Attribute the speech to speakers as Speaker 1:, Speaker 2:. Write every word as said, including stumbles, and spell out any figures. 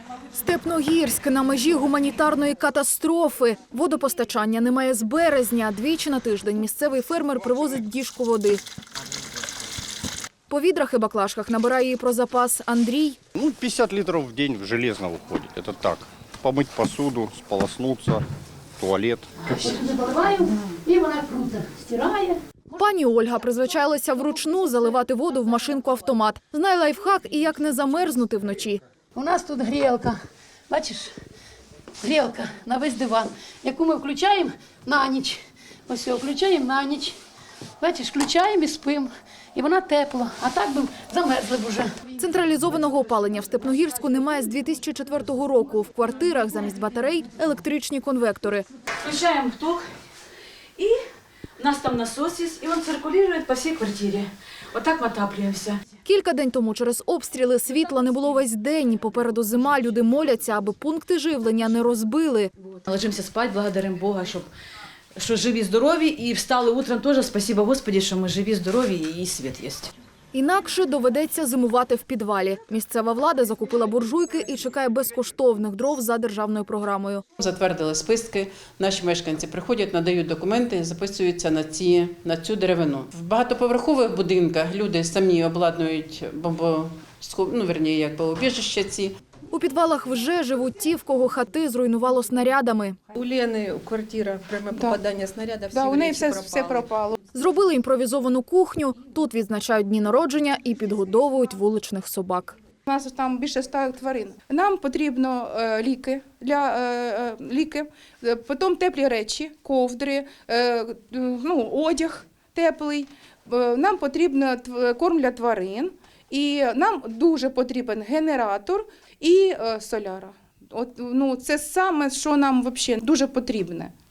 Speaker 1: Степногірськ на межі гуманітарної катастрофи. Водопостачання немає з березня. Двічі на тиждень місцевий фермер привозить діжку води. По відрах і баклажках набирає її про запас Андрій.
Speaker 2: Ну, пятьдесят литров в день железно уходит. Это так. Помыть посуду, сполоснуться, туалет.
Speaker 3: Сюди поливаю, і вона круто стирає.
Speaker 1: Пані Ольга призвичайлася вручну заливати воду в машинку-автомат. Знає лайфхак і як не замерзнути вночі.
Speaker 3: У нас тут грілка, бачиш, грілка на весь диван, яку ми включаємо на ніч. Ось його включаємо на ніч. Бачиш, включаємо і спимо. І вона тепла, а так би замерзли б уже.
Speaker 1: Централізованого опалення в Степногірську немає з дві тисячі четвертого року. В квартирах замість батарей – електричні конвектори.
Speaker 4: Включаем ток, и у нас там насос есть, и он циркулирует по всей квартире. Вот так мы отапливаемся.
Speaker 1: Кілька день тому через обстріли світла не було весь день. Попереду зима, люди моляться, аби пункти живлення не розбили.
Speaker 4: Ложимся спать, благодарим Бога, щоб, що живі, здорові, і встали утром теж, спасибо Господи, що ми живі, здорові і світ є.
Speaker 1: Інакше доведеться зимувати в підвалі. Місцева влада закупила буржуйки і чекає безкоштовних дров за державною програмою.
Speaker 5: Затвердили списки, наші мешканці приходять, надають документи, записуються на, ці, на цю деревину. В багатоповерхових будинках люди самі обладнують бомбо, ну, верні, як бомбоубіжища ці.
Speaker 1: У підвалах вже живуть ті, в кого хати зруйнувало снарядами.
Speaker 6: У Лени квартира, пряме попадання снаряда, всі
Speaker 7: Да, у неї
Speaker 6: речі
Speaker 7: все,
Speaker 6: пропали.
Speaker 7: все пропало.
Speaker 1: Зробили імпровізовану кухню. Тут відзначають дні народження і підгодовують вуличних собак.
Speaker 7: У нас там більше ста тварин. Нам потрібно е, ліки, для, е, е, ліки, е, потім теплі речі, ковдри, е, ну, одяг теплий. Е, нам потрібно тв- корм для тварин. І нам дуже потрібен генератор і е, соляра. От, ну, це саме, що нам взагалі дуже потрібне.